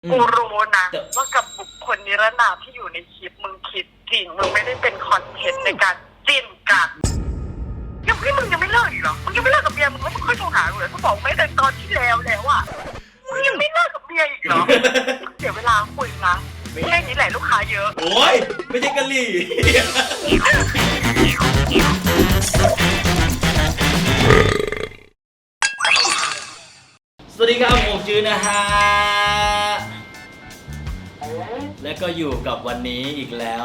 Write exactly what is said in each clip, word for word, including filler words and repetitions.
กูรู้นะว่ากับบุคคลนิรนามที่อยู่ในคลิปมึงคิดจริงมึงไม่ได้เป็นคอนเทนต์ในการจิ้นกันยังพี่มึงยังไม่เลิกอีกเหรอมึงยังไม่เลิกกับเบียร์มึงไม่ค่อยโทรหาเลยกูบอกไม่แต่ตอนที่แล้วแล้วอ่ะมึงยังไม่เลิกกับเบียร์อีกเหรอเดี๋ยวเวลาคุยนะแค่นี้แหละลูกค้าเยอะโอ้ยไม่ใช่กะหรี่สวัสดีครับผมจื้อนะฮะและก็อยู่กับวันนี้อีกแล้ว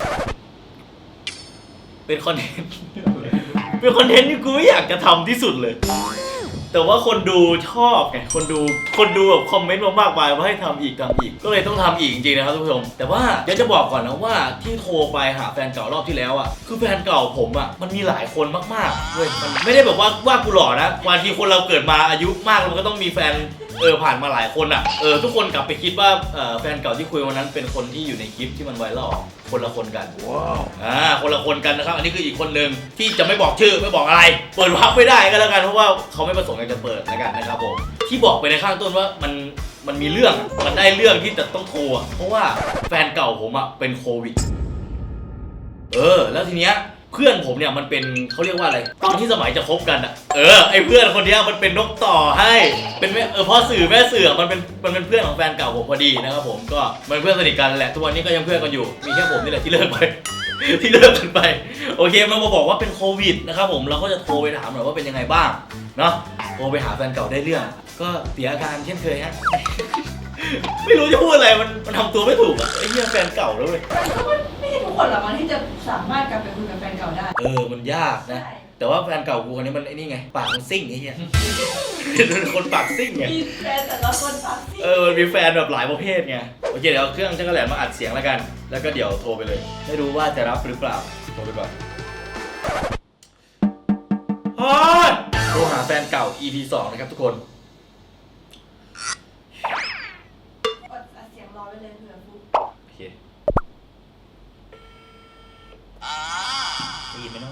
เป็นคอนเทนต์เป็นคอนเทนต์ที่กูไม่อยากจะทำที่สุดเลยแต่ว่าคนดูชอบไงคนดูคนดูแบบคอมเมนต์มามากมายว่าให้ทำอีกทำอีกก็เลยต้องทำอีกจริงๆนะครับทุกผู้ชมแต่ว่าเดี๋ยวจะบอกก่อนนะว่าที่โทรไปหาแฟนเก่ารอบที่แล้วอ่ะคือแฟนเก่าผมอ่ะมันมีหลายคนมากๆเว้ยมันไม่ได้แบบว่าว่ากูหล่อนะบางทีคนเราเกิดมาอายุมากมันก็ต้องมีแฟนเออผ่านมาหลายคนอ่ะเออทุกคนกลับไปคิดว่าเออแฟนเก่าที่คุยวันนั้นเป็นคนที่อยู่ในคลิปที่มันไวรัลคนละคนกันว้าวอ่าคนละคนกันนะครับอันนี้คืออีกคนนึงที่จะไม่บอกชื่อไม่บอกอะไรเปิดวับไม่ได้ก็แล้วกันเพราะว่าเขาไม่ประสงค์อยากจะเปิดแล้วกันนะครับผมที่บอกไปในข้างต้นว่ามันมันมีเรื่องมันได้เรื่องที่จะต้องโทรเพราะว่าแฟนเก่าผมอ่ะเป็นโควิดเออแล้วทีเนี้ยเพื่อนผมเนี่ยมันเป็นเขาเรียกว่าอะไรตอนที่สมัยจะคบกันอ่ะเออไอเพื่อนคนนี้มันเป็นนกต่อให้เป็นแม่เออพ่อสื่อแม่สื่อมันเป็นมันเป็นเพื่อนของแฟนเก่าผมพอดีนะครับผมก็มันเพื่อนสนิทกันแหละทุกวันนี้ก็ยังเพื่อนกันอยู่มีแค่ผมนี่แหละที่เลิกไป ที่เลิกกันไปโอเคมันมาบอกว่าเป็นโควิดนะครับผมเราก็จะโทรไปถามหน่อยว่าเป็นยังไงบ้างเนาะโทรไปหาแฟนเก่าได้เรื่องก็เสียอาการเช่นเคยฮะ ไม่รู้จะพูดอะไรมันมันทำตัวไม่ถูกอะไอ้เหี้ยแฟนเก่าแล้วเว้ยไม่ใช่ทุกคนหรอกมันที่จะสามารถกลับไปคุยกับแฟนเก่าได้เออมันยากนะแต่ว่าแฟนเก่ากูคนนี้มันไอ้นี่ไงปากมันซิ่งไอ้เหี้ยเป็นคนปากซิ่งไงมีแฟนแต่ละคนปากซิ่งเออมันมีแฟนแบบหลายประเภทไงโอเคเดี๋ยวเอาเครื่องจักรแหลมมาอัดเสียงแล้วกันแล้วก็เดี๋ยวโทรไปเลยไม่รู้ว่าจะรับหรือเปล่าโทรไปก่อนโทรหาแฟนเก่า อี พี สองนะครับทุกคนอัดเสียงรอไว้เลยเผื่อฟุ๊กโอเคได้ยินไหมเนาะ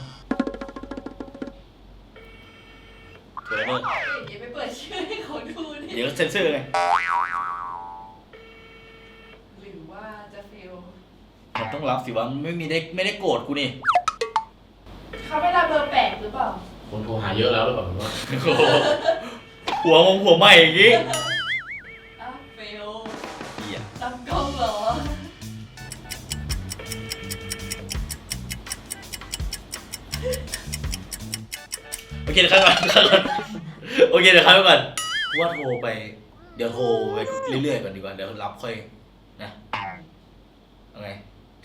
เดี๋ยวเดี๋ยวอย่าไปเปิดชื่อให้เขาดูดิเดี๋ยวเซ็นเซอร์ไงหรือว่าจะเฟลมันต้องรับสิวะไม่มีได้ไม่ได้โกรธกูนี่เขาไม่รับเบอร์แปลกหรือเปล่าคนโทรหาเยอะแล้วหรือเปล่าว่าหัวมงหัวใหม่อย่างงี้อ้าวเฟลเหี้ยตั้งกล้องเหรอโอเคเดี๋ยวข้างก่อนข้างก่อนโอเคเดี๋ยวข้างก่อนว่าโทรไปเดี๋ยวโทรไปเรื่อยๆก่อนดีกว่าเดี๋ยวรับค่อยนะเอาไง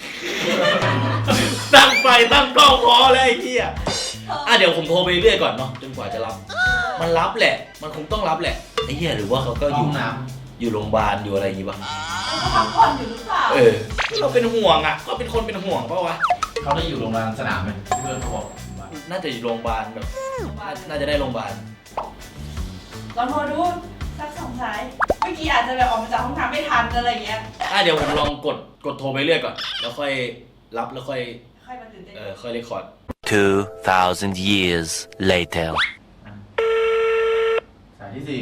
ตั้งไฟตั้งกล้องพอแล้วไอ้เหี้ยอ่ะเดี๋ยวผมโทรไปเรื่อยก่อนเนาะจนกว่าจะรับมันรับแหละมันคงต้องรับแหละไอ้เหี้ยหรือว่าเขาก็อยู่น้ำอยู่โรงพยาบาลอยู่อะไรอย่างงี้ป่ะเขาพักผ่อนอยู่หรือเปล่าเออเราเป็นห่วงอ่ะก็เป็นคนเป็นห่วงเปล่าวะเขาได้อยู่โรงพยาบาลสนามไหมที่เพื่อนเขาบอกน่าจะอยู่โรงพยาบาลแบบน่าจะได้โรงพยาบาลลองโทรดูสักสองสายเมื่อกี้อาจจะแบบออกมาจากห้องน้ำไม่ทันอะไรอย่างเงี้ยอ่ะเดี๋ยวผมลองกดกดโทรไปเรื่อยก่อนแล้วค่อยรับแล้วค่อยค่อยมาตื่นเต้นเออค่อยเรคคอร์ด two thousand years later สายที่สี่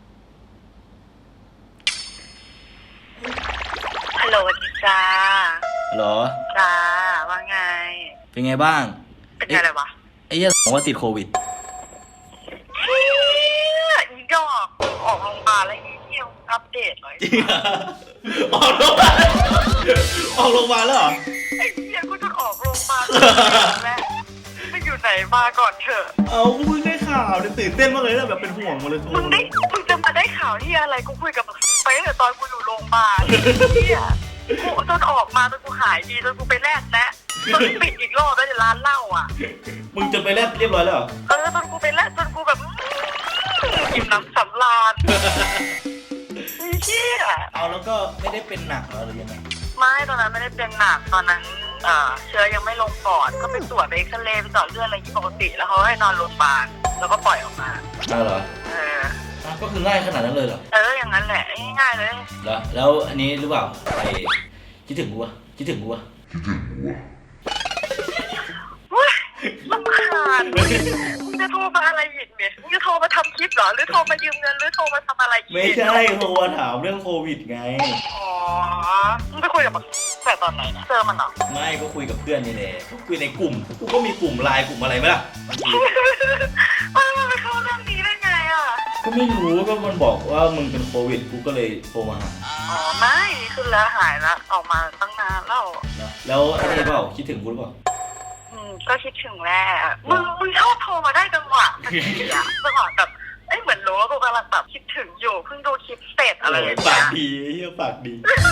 ฮัลโหลจ้าฮัลโหลจ้าว่าไงเป็นไงบ้างเป็นไงอะไรวะไอ้เหี้ยบอกว่าติดโควิดเฮียอีดอกออกโรงพยาบาลแล้วอีเที่ยวอัปเดตหน่อยจริงออกโรงพยาบาลออกโรงพยาบาลแล้วเหรอไอ้เฮียกูจะออกโรงพยาบาลแล้วไม่อยู่ไหนมาก่อนเถอะเอากูเพิ่งได้ข่าวตื่นเต้นมากเลยนะแบบเป็นห่วงมาเลยมึงได้มึงจะมาได้ข่าวที่อะไรกูคุยกับมึงไปตั้งแต่ตอนกูอยู่โรงพยาบาลเฮียกูจนออกมาจนกูหายดีจนกูไปแลกแล้วจนปิดอีกรอบแล้วในร้านเหล้าอ่ะมึงจะไปแลกเรียบร้อยแล้วเหรอเออจนกูไปแลกจนกูแบบอิ่มน้ำสำราญเฮียเอาแล้วก็ไม่ได้เป็นหนักหรือยังไงไม่ตอนนั้นไม่ได้เป็นหนักตอนนั้นเอ่อเชื้อยังไม่ลงปอดก็ไปตรวจไปเอ็กซเรย์ไปเจาะเลือดอะไรที่ปกติแล้วเขาให้นอนโรงพยาบาลแล้วก็ปล่อยออกมาอ้าวเหรอเออก็คือง่ายขนาดนั้นเลยเหรอเอออย่างนั้นแหละง่ายๆเลยแล้วแล้วอันนี้หรือเปล่าไปคิดถึงกูวะคิดถึงกูวะคิดถึงกูวะว้าลำคาญมึงจะโทรมาอะไรอีกเนี่ยมึงจะโทรมาทำคลิปเหรอหรือโทรมายืมเงินหรือโทรมาทำอะไรอีกไม่ใช่โทรมาถามเรื่องโควิดไงอ๋อมึงไปคุยกับมันแต่ตอนไหนเนี่ยเจอมันเหรอไม่ก็คุยกับเพื่อนนี่แหละก็คุยในกลุ่มกูก็มีกลุ่มไลน์กลุ่มอะไรไหมล่ะบางทีมันไปเข้าเรื่องนี้ได้ไงอ่ะก็ไม่รู้ก็มันบอกว่ามึงเป็นโควิดกูก็เลยโทรมาหาอ๋อไม่คือแล้วหายแล้วออกมาตั้งนานแล้วนะแล้วไอ้นี่เปล่าคิดถึงกูหรือเปล่าอืมก็คิดถึงแหละมึงมึงชอบโทรมาได้จังหวะพอดีอะจังหวะแบบเอ้ยเหมือนรู้ว่ากูกำลังแบบคิดถึงอยู่เพิ่งดูคลิปเสร็จอะไรอย่างปาเงี้กยดีเฮียปากดี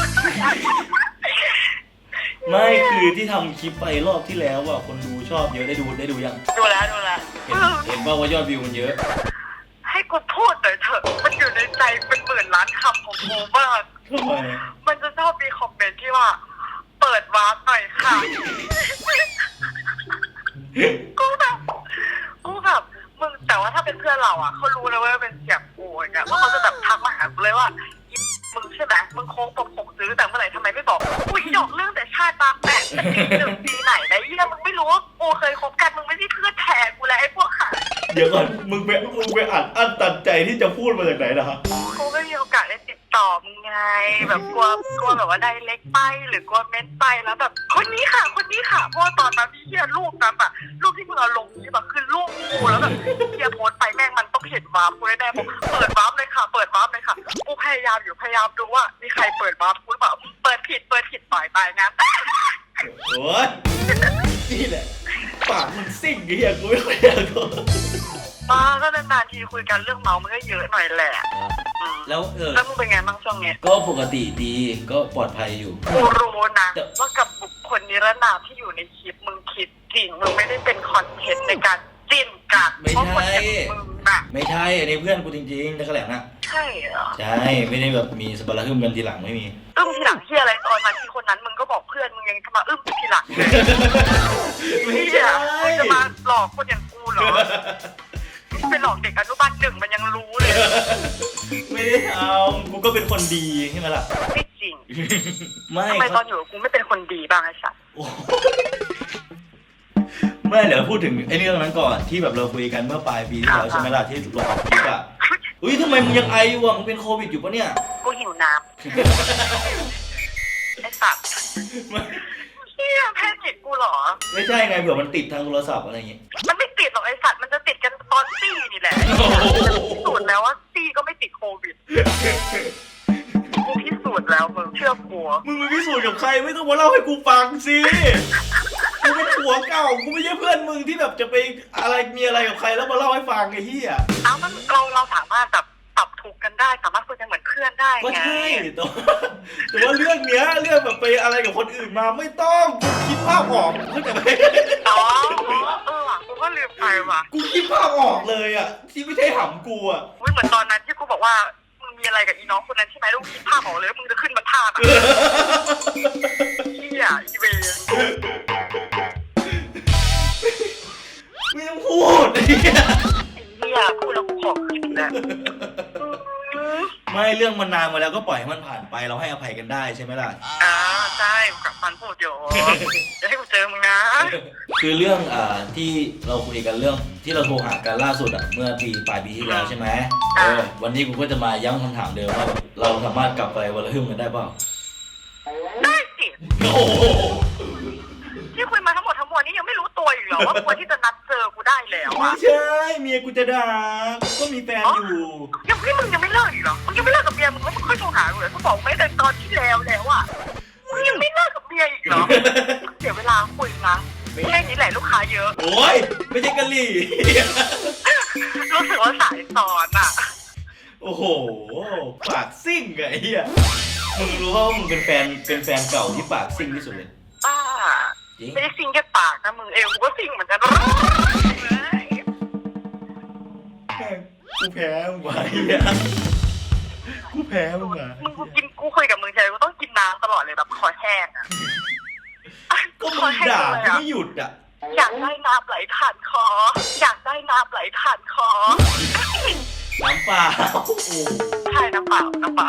ไม่คือที่ทำคลิปไปรอบที่แล้วอ่ะคนดูชอบเยอะได้ดูได้ดูยังดูแล้วดูแล้วเห็นเห็นป่าวว่ายอดวิวมันเยอะให้กูพูดหน่อยเถอะมันอยู่ในใจเป็นหมื่นล้านคำของกูมากทำไมมันจะชอบมีคอมเมนต์ที่ว่า เปิดวาร์ปหน่อยค่ะกูแบบกูแบบมึงแต่ว่าถ้าเป็นเพื่อนเราอ่ะเขารู้แล้วว่าเป็นเสียงกูอย่างเงี้ยว่าเขาจะแบบทักมาหากูเลยว่าอีมึงใช่ไหมมึงโค้งปมผมซื้อแต่เมื่อไหร่ทำไมไม่บอกอุ้ยหยอกเรื่องแต่ชาติบางแปะแต่ปีหนึ่งปีไหนนะเยี่ยมึงไม่รู้ว่ากูเคยคบกันมึงไม่ใช่เพื่อนแท้กูแล้วไอ้พวกขาเดี๋ยวก่อนมึงไปมึงไปอัดอั้นตันใจที่จะพูดมาจากไหนนะฮะกูไม่มีโอกาสได้ติดต่อมึงไงแบบกลัวกลัวแบบว่าได้เล็กไปหรือกลัวเม้นไปแล้วแบบคนนี้ค่ะคนนี้ค่ะเพราะว่าตอนนั้นพี่เฮียรูปนั้นอะรูปที่มึงเอาลงนี่แบบคือรูปกูแล้วแบบเฮียโพสต์ไปแม่งมันต้องเห็นวาร์ปกูแน่ๆบอกเปิดวาร์ปเลยค่ะเปิดวาร์ปเลยค่ะกูพยายามอยู่พยายามดูว่ามีใครเปิดวาร์ปกูหรือเปล่าเปิดผิดเปิดผิดต่อยตายงั้นโอ้ยนี่แหละปากมึงซิ่งเฮียกูไม่ค่อยอยากพูดมาก็นานๆทีคุยกันเรื่องเมามันก็เยอะหน่อยแหละอืมแล้วเออแล้วมึงเป็นไงบ้างช่วงนี้ก็ปกติดีก็ปลอดภัยอยู่กูรู้นะว่ากับบุคคลนิรนามที่อยู่ในคลิปมึงคิดจริงมึงไม่ได้เป็นคอนเทนต์ในการจิ้นกันไม่เพราะคนใช่อย่างมึงน่ะไม่ใช่อันนี้เพื่อนกูจริงๆนักแหลมนะใช่เหรอใช่ไม่ได้แบบมีสปาร์ทึมกันทีหลังไม่มีอึ้มทีหลังที่อะไรตอนนั้นที่คนนั้นมึงก็บอกเพื่อนมึงยังจะมาอึ้มทีหลังเลยไม่เฮีใช่ยมึงจะมาหลอกคนอย่างกูเหรอไปหลอกเด็กอนุบาลหนึ่งมันยังรู้เลยไม่ได้ทำกูก็เป็นคนดีใช่ไหมล่ะไม่จริงไม่ทำไมตอนอยู่กับกูไม่เป็นคนดีบ้างไอ้สัสโอ้ไม่เดี๋ยวพูดถึงไอ้เรื่องนั้นก่อนที่แบบเราคุยกันเมื่อปลายปีที่แล้วใช่ไหมล่ะที่เราออกคลิปอ่ะอุ้ยทำไมมึงยังไออยู่อ่ะมึงเป็นโควิดอยู่ปะเนี่ยกูหิวน้ำไอ้สัสไม่เฮียแพนิคกูเหรอไม่ใช่ไงเผื่อมันติดทางโทรศัพท์อะไรอย่างงี้มันไม่ติดหรอกไอ้สัตว์มันจะติดกันตอนซี่นี่แหละโอ้โหพิสูจน์แล้วว่าซี่ก็ไม่ติดโควิดกูพิสูจน์แล้วมึงเชื่อกูมึงไปพิสูจน์กับใครไม่ต้องมาเล่าให้กูฟังสิกูเป็นผัวเก่ากูไม่ใช่เพื่อนมึงที่แบบจะไปอะไรมีอะไรกับใครแล้วมาเล่าให้ฟังไอ้เหี้ยเอ้ามันเราเราสามารถแบบปรับถูกกันได้สามารถคุยกันเหมือนเพื่อนได้ก็ไงใช่แต่ว่าแต่ว่าเรื่องเนี้ยเรื่องแบบไปอะไรกับคนอื่นมาไม่ต้องกูคิดภาพออกเข้าใจไหมอ๋อเออว่ะกูก็ลืมไปว่ะกูคิดภาพออกเลยอ่ะที่ไม่ใช่หำกูอ่ะอุ๊ยเหมือนตอนนั้นที่กูบอกว่ามึงมีอะไรกับอีน้องคนนั้นใช่ไหมลูกคิดภาพออกเลยว่ามึงจะขึ้นมาท่าแบบเฮียอีเวนไม่ต้องพูดไอ้เหี้ยเฮียพูดแล้วกูขอขึ้นแล้วไม่เรื่องมันนานมาแล้วก็ปล่อยให้มันผ่านไปเราให้อภัยกันได้ใช่ไหมล่ะอ่าใช่กับฟันพูดอยู่จะให้กูเจอมึงนะคือเรื่องอ่าที่เราคุยกันเรื่องที่เราโทรหากันล่าสุดอ่ะเมื่อปีปลายปีที่แล้วใช่ไหมเออวันนี้กูก็จะมาย้ำคำถามเดิมว่าแบบเราสามารถกลับไปวันละหึ่มกันได้เปล่าได้สิโอ้โหที่คุยมาทั้งหมดทั้งมวลนี้ยังไม่รู้ตัวอีกเหรอว่าควรที่จะนัดเจอกูได้แล้วไม่อะใช่เมียกูจะด่ากูก็มีแฟนอยู่ยังพี่มึงยังไม่เลิกอีกเหรอมึงยังไม่เลิกกับเมียมึงแล้วมึงค่อยโทรหากูเลยกูบอกไม่แต่ตอนที่แล้วแล้วอะมึงยังไม่เลิกกับเมียอีกเหรอเสียเวลาคุยนะแค่นี้แหละลูกค้าเยอะโอ้ยไม่ใช่กะหรี่รู้สึกว่าสายสอนอะโอ้โหปากซิ่งไงไอ้เหี้ยมึงรู้ว่ามึงเป็นแฟนเป็นแฟนเก่าที่ปากซิ่งที่สุดเลยบ้าจริงไม่ได้ซิงแค่ปากนะมึงเอวกูก็ซิงเหมือนกันกูแพ้มึงว่ะไอ้เหี้ยกูแพ้มึงว่ะมึงกูกินกูคุยกับมึงใช่กูต้องกินน้ำตลอดเลยแบบคอแห้งอะก็มึงด่ากูไม่หยุดอ่ะอยากได้น้ำไหลผ่านคอ อยากได้น้ำไหลผ่านคอน้ำเปล่าโอ้โหใช่น้ำเปล่าน้ำเปล่า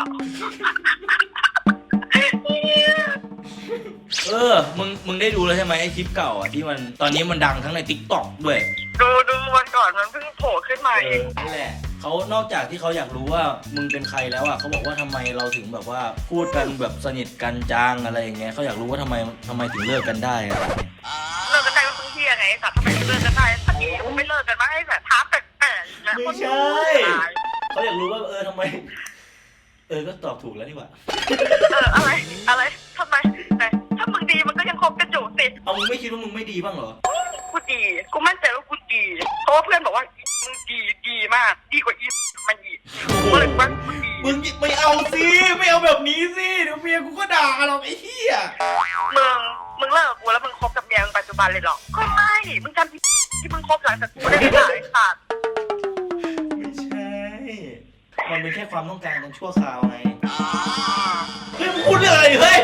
เออ มึง มึงได้ดูแล้วใช่ไหมไอคลิปเก่าอ่ะที่มัน ตอนนี้มันดังทั้งใน ติ๊กต็อก ด้วยดูดูวันก่อนมันเพิ่งโผล่ขึ้นมาเอเออง นั่นแหละเขานอกจากที่เขาอยากรู้ว่ามึงเป็นใครแล้วอ่ะเขาบอกว่าทำไมเราถึงแบบว่าพูดกันแบบสนิทกันจังอะไรอย่างเงี้ยเขาอยากรู้ว่าทำไมทำไมถึงเลิกกันได้อะไรอย่างเงี้ยเลิกกันได้ก็เพิ่งเที่ยไงสัตว์ทำไมถึงเลิกกันได้ถ้าที่กูไม่เลิกกันมาให้แบบท้าแปลกๆนะไม่ใช่เขาอยากรู้ว่าเออทำไม เออก็ตอบถูกแล้วนี่หว่าเอออะไรอะไรทำไมแต่ถ้ามึงดีมันก็ยังคบกันอยู่สิเอามึงไม่คิดว่ามึงไม่ดีบ้างเหรอกูดีกูมั่นใจว่ากูดีเพราะว่าเพื่อนบอกว่ามึงดีดีมากดีกว่าอีมันอีกกูเลยว่ากูดีมึงไม่เอาสิไม่เอาแบบนี้สิเดี๋ยวเมียกูก็ด่าหรอกไอ้เหี้ยมึงมึงเลิกกูแล้วมึงคบกับเมียมึงปัจจุบันเลยหรอก็ไม่มึงจำที่ที่มึงคบหลังจากกูได้หลายขาดไม่ใช่ มันเป็นแค่ความต้องการกันชั่วคราวไงเฮ้ยมึงพูดเรื่องอะไรเฮ้ย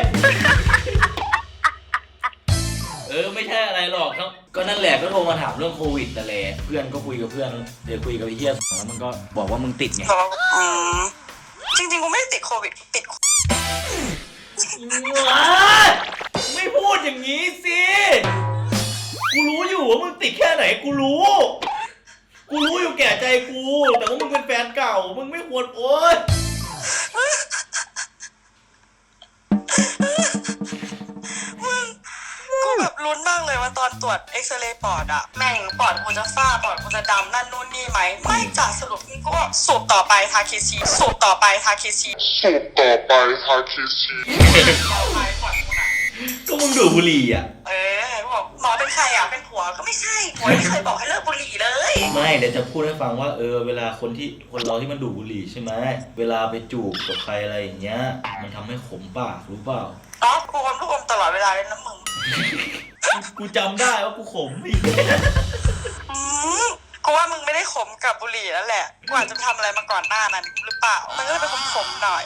เออไม่ใช่อะไรหรอกครับก็นั่นแหละก็โทรมาถามเรื่องโควิดแต่แหละเพื่อนก็คุยกับเพื่อนเดี๋ยวคุยกับไอ้เหี้ยแล้วมันก็บอกว่ามึงติดไงอืมจริงๆกูไม่ได้ติดโควิดติดไม่พูดอย่างนี้สิกูรู้อยู่ว่ามึงติดแค่ไหนกูรู้ กูรู้อยู่แก่ใจกูแต่ว่ามึงเป็นแฟนเก่ามึงไม่ควรโอ๊ยกูแบบลุ้นมากเลยว่าตอนตรวจเอ็กซเรย์ปอดอะแม่งปอดกูจะฝ้าปอดกูจะดำนั่นนู่นนี่ไหมไม่จ่าสรุปกูก็สูบต่อไปทาเคซีสูบต่อไปทาเคซีสูบต่อไปทาเคซีต่อไปปอดกูน่ะก็มึงดูดบุหรี่อ่ะเออบอกหมอเป็นใครอะเป็นผัวก็ไม่ใช่ผัวไม่เคยบอกให้เลิกบุหรี่เลยไม่เดี๋ยวจะพูดให้ฟังว่าเออเวลาคนที่คนเราที่มันดูดบุหรี่ใช่ไหมเวลาไปจูบกับใครอะไรอย่างเงี้ยมันทำให้ขมปากรู้เปล่าอ๋อกูอมลูกอมตลอดเวลาเลยนะมึงกูจำได้ว่ากูขมอีกอืมกูว่ามึงไม่ได้ขมกับบุหรี่แล้วแหละกูอาจจะทำอะไรมาก่อนหน้านั้นหรือเปล่ามันก็เลยเป็นขมๆหน่อย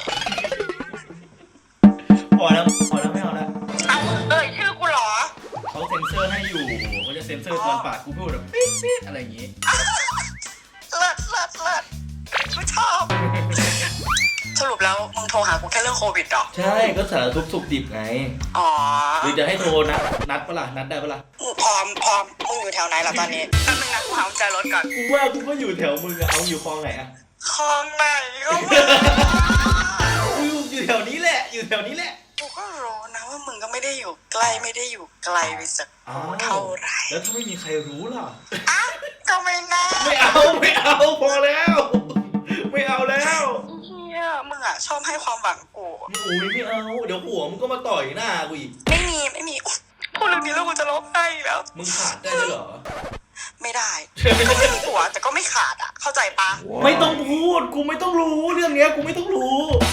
พอแล้วพอแล้วไม่เอาแล้วเอาเอ่ยชื่อกูเหรอเขาเซ็นเซอร์ให้อยู่เขาจะเซ็นเซอร์ตอนปากกูพูดแบบปิ๊ดปิ๊ดอะไรอย่างงี้เลิศเลิศเลิศกูชอบสรุปแล้วมึงโทรหากูแค่เรื่องโควิดเหรอใช่ก็สารทุกข์สุขดิบไงอ๋อหรือจะให้โทรนัดนัดปะล่ะนัดได้ปะล่ะพร้อมพร้อมมึงอยู่แถวไหนล่ะตอนนี้แป๊บนึงนะกูหากุญแจรถก่อนกูว่ากูก็อยู่แถวมึงอะเอาอยู่คลองไหนอะคลองไหนก็มึงกูอยู่แถวนี้แหละ อยู่แถวนี้แหละกูก็รู้นะว่ามึงก็ไม่ได้อยู่ใกล้ไม่ได้อยู่ไกลไปสักอ้าวเท่าไหร่แล้วถ้าไม่มีใครรู้ล่ะอ่ะก็ไม่แน่ไม่เอาไม่เอาพอแล้ว ไม่เอาแล้วเฮียมึงอ่ะชอบให้ความหวังกูอุ้ยไม่เอา เดี๋ยวหัวมึงก็มาต่อยหน้ากูอีกไม่มีไม่มีอุ๊ยพูดเรื่องนี้แล้วกูจะร้องไห้อีกแล้วมึงขาดได้ด้วยเหรอไม่ได้ก็ไม่มีผัวแต่ก็ไม่ขาดอ่ะ เข้าใจปะไม่ต้องพูด กูไม่ต้องรู้เรื่องเนี้ยกูไม่ต้องรู้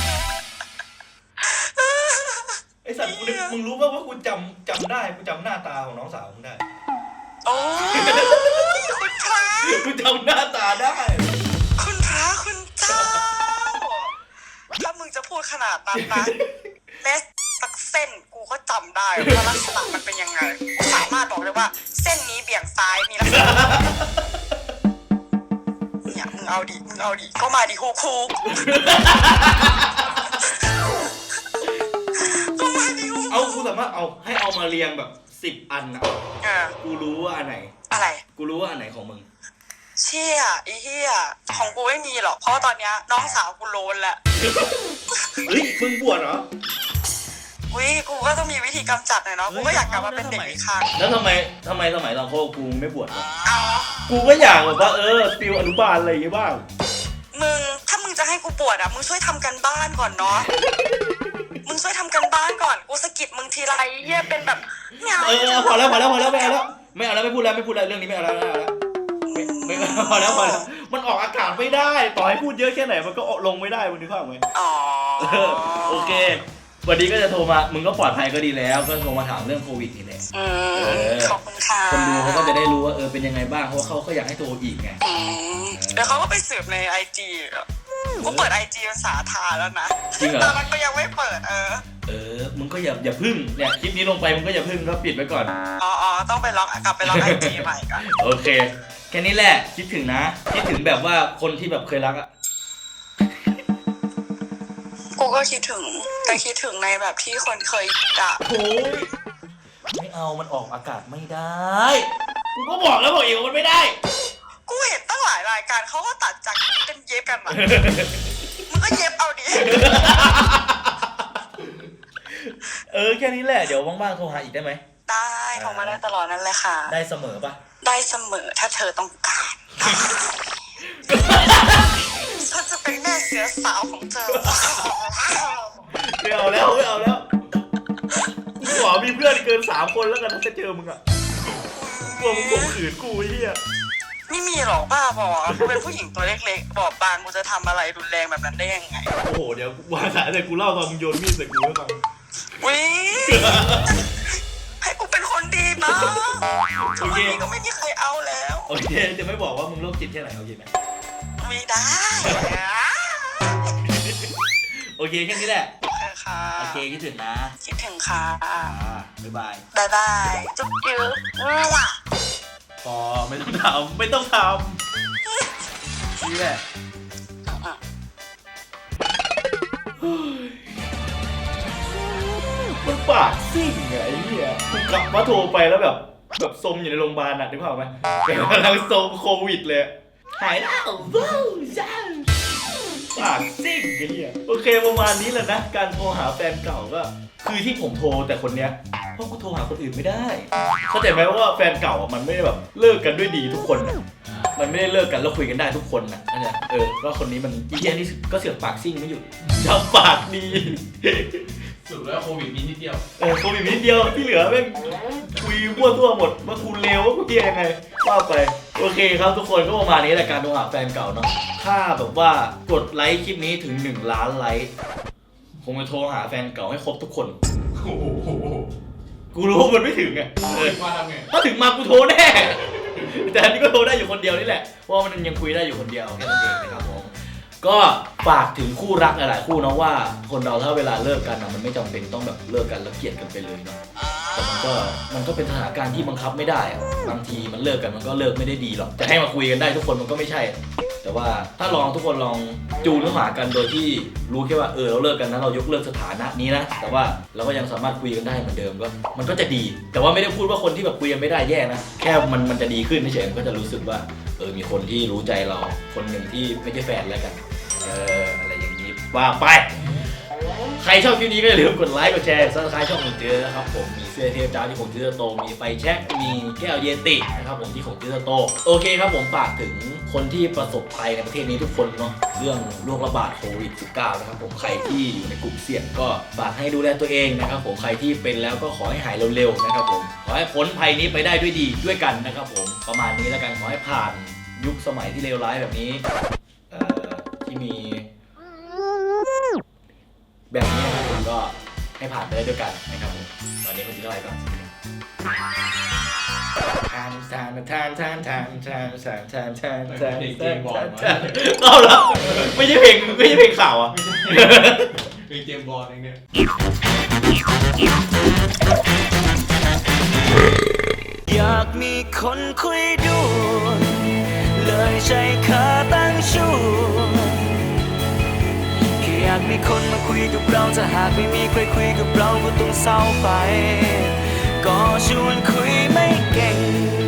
ไอสัตว์กูนึกมึงรู้ป่ะว่ากูจำจำได้กูจำหน้าตาของน้องสาวมึงได้โอ้ยคุณพระกูจำหน้าตาได้คุณพระคุณเจ้าถ้ามึงจะพูดขนาดนั้นนะแม้สักเส้นกูก็จำได้ว่าลักษณะมันเป็นยังไงกูสามารถบอกเลยว่าเส้นนี้เบี่ยงซ้ายมีลักษณะเนี่ยมึงเอาดิมึงเอาดิก็มาดิฮูคูก็มาดิฮูเอากูสามารถเอาให้เอามาเรียงแบบสิบอันอะเออกูรู้ว่าอันไหนอะไรกูรู้ว่าอันไหนของมึงเชี่ยไอ้เหี้ยของกูไม่มีหรอกเพราะว่าตอนเนี้ยน้องสาวกูโลนแล้วเฮ้ยมึงบวชเหรออุ้ยกูก็ต้องมีวิธีกำจัดหน่อยเนาะกูก็อยากกลับมาเป็นเด็กอีกครั้งแล้วทำไมทำไมสมัยตอนโคกูไม่บวชวะเอากูก็อยากแบบว่าเออฟิลอนุบาลอะไรอย่างเงี้ยบ้างมึงถ้ามึงจะให้กูปวดอ่ะมึงช่วยทำกันบ้านก่อนเนาะมึงช่วยทำกันบ้านก่อนกูสะกิดมึงทีไรเหี้ยเป็นแบบไม่เอาเออพอแล้วพอแล้วพอแล้วไม่เอาแล้วไม่เอาแล้วไม่พูดแล้วไม่พูดแล้วเรื่องนี้ไม่เอาแล้วไม่เอาแล้วไม่ไม่ไม่พอแล้วพอแล้วมันออกอากาศไม่ได้ต่อให้พูดเยอะแค่ไหนมันก็ลงไม่ได้มึงนึกภาพไหมอ๋อเออโอเควันนี้ก็จะโทรมามึงก็ปลอดภัยก็ดีแล้วก็โทรมาถามเรื่องโควิดนี่แหละอืมขอบคุณค่ะคนดูเขาก็จะได้รู้ว่าเออเป็นยังไงบ้างเพราะว่าเขาก็อยากให้โทรอีกไงอืมเดี๋ยวเขาก็ไปสืบในไอจีกูเปิดไอจีภาษาทาแล้วนะจริงเหรอตอนนั้นก็ยังไม่เปิดเออเออมึงก็อย่าอย่าพึ่งเนี่ยคลิปนี้ลงไปมึงก็อย่าพึ่งก็ปิดไว้ก่อนอ๋ออ๋อต้องไปล็อกกลับไปล็อกไอจีใหม่ก่อนโอเคแค่นี้แหละคิดถึงนะคิดถึงแบบว่าคนที่แบบเคยรักอะกูก็คิดถึงแต่คิดถึงในแบบที่คนเคยด่าโอ้ยไม่เอามันออกอากาศไม่ได้กูก็บอกแล้วบอกอีกว่ามันไม่ได้กูเห็นตั้งหลายรายการเขาก็ตัดจากเป็นเย็บกันมามึงก็เย็บเอาดิเออแค่นี้แหละเดี๋ยวว่างๆโทรหาอีกได้ไหมได้โทรมาได้ตลอดนั่นแหละค่ะได้เสมอปะได้เสมอถ้าเธอต้องการฉันจะเป็นแม่เสือสาวของเธอไม่เอาแล้วไม่เอาแล้วกูขอมีเพื่อนเกินสามคนแล้วกันถ้าจะเจอมึงอะกลัวมึงข่มขืนกูไอ้เหี้ยไม่มีหรอกบ้าบอกกูเป็นผู้หญิงตัวเล็กๆบอบบางกูจะทำอะไรรุนแรงแบบนั้นได้ยังไงโอ้โหเดี๋ยววางสายแต่กูเล่าตอนมึงโยนมีดใส่กูให้ฟังวิให้กูเป็นคนดีบ้างทุกวันนี้ก็ไม่มีใครเอาแล้วโอเคจะไม่บอกว่ามึงโรคจิตแค่ไหนโอเคไหมไม่ได้โอเคแค่นี้แหละโอเคค่ะโอเคคิดถึงนะคิดถึงค่ะอ่าบ๊ายบายบายบายจุ๊บจุ๊บว้าพอไม่ต้องทำไม่ต้องทำนี่แหละมันปากซิ่งไงไอ้เหี้ยกูกลับมาโทรไปแล้วแบบแบบซมอยู่ในโรงพยาบาลน่ะนึกภาพไหมแบบกำลังซมโควิดเลยหายแล้วว้าวจ้าปากซิ่งไอ้เหี้ยโอเคประมาณนี้แหละนะการโทรหาแฟนเก่าก็คือที่ผมโทรแต่คนเนี้ยเพราะกูโทรหาคนอื่นไม่ได้เข้าใจไหมว่าแฟนเก่าอ่ะมันไม่ได้แบบเลิกกันด้วยดีทุกคนนะมันไม่ได้เลิกกันแล้วคุยกันได้ทุกคนนะเข้าใจเออก็คนนี้มันอีเหี้ยนี่ก็เสือกปากซิ่งไม่หยุดชอบปากดีสุดแล้วโควิดมีนิดเดียวเออโควิดนิดเดียวที่เหลือแม่งคุยมั่วตัวหมดว่ากูเลวว่ากูเฮียยังไงว่าไปโอเคครับทุกคนก็ประมาณนี้แหละการโทรหาแฟนเก่าเนาะถ้าแบบว่ากดไลค์คลิปนี้ถึงหนึ่งล้านไลค์คงจะโทรหาแฟนเก่าให้ครบทุกคนโอ้โหกูรู้มันไม่ถึงไงเออมาทำไงถ้าถึงมากูโทรแน่แต่อันนี้ก็โทรได้อยู่คนเดียวนี่แหละเพราะมันยังคุยได้อยู่คนเดียวแค่นั้นเองนะครับผมก็ฝากถึงคู่รักหลายๆคู่นะว่าคนเราถ้าเวลาเลิกกันนะมันไม่จำเป็นต้องแบบเลิกกันแล้วเกลียดกันไปเลยเนาะแต่มันก็มันก็เป็นสถานการณ์ที่บังคับไม่ได้อะบางทีมันเลิกกันมันก็เลิกไม่ได้ดีหรอกจะให้มาคุยกันได้ทุกคนมันก็ไม่ใช่ แต่ว่าถ้าลองทุกคนลองจูนเข้าหากันโดยที่รู้แค่ว่าเออเราเลิกกันนะเรายกเลิกสถานะนี้นะแต่ว่าเราก็ยังสามารถคุยกันได้เหมือนเดิมก็มันก็จะดี แต่ว่าไม่ได้พูดว่าคนที่แบบคุยกันไม่ได้แย่นะแค่มันมันจะดีขึ้นเฉยๆมันก็จะรู้สึกว่าเออมีคนที่รู้ใจเราคนหนึ่งที่ไม่ใช่แฟนแล้วกันเอออะไรอย่างนี้ว่าไปใครชอบคลิปนี้ก็อย่าลืมกดไลค์กดแชร์ซับสไครต์ช่องของเจอนะครับผมมีเสื้อเทพจ้าที่ของเจอโตมีไฟแช็กมีแก้วเยตินะครับผมที่ของเจอโตโอเคครับผมฝากถึงคนที่ประสบภัยในประเทศนี้ทุกคนเนาะเรื่องโรคระบาดโควิด สิบเก้า นะครับผมใครที่อยู่ในกลุ่มเสี่ยงก็ฝากให้ดูแลตัวเองนะครับผมใครที่เป็นแล้วก็ขอให้หายเร็วๆนะครับผมขอให้พ้นภัยนี้ไปได้ด้วยดีด้วยกันนะครับผมประมาณนี้แล้วกันขอให้ผ่านยุคสมัยที่เลวร้ายแบบนี้เอ่อที่มีแบบนี้นะครับผมก็ให้ผ่านไปได้ด้วยกันนะครับผมตอนนี้ผมจะเล่าให้ฟังทานทานทานทานทานทานทานทานทานทานเอาละไม่ใช่เพลงไม่ใช่เพลงข่าวอ่ะเป็นเกมบอลเองเนี่ยอยากมีคนคุยด้วยเลยใช้ขาตั้งชูแค่อยากมีคนมาคุยกับเราถ้าหากไม่มีใครคุยกับเราก็ต้องเศร้าไปก็ชวนคุยไม่เก่ง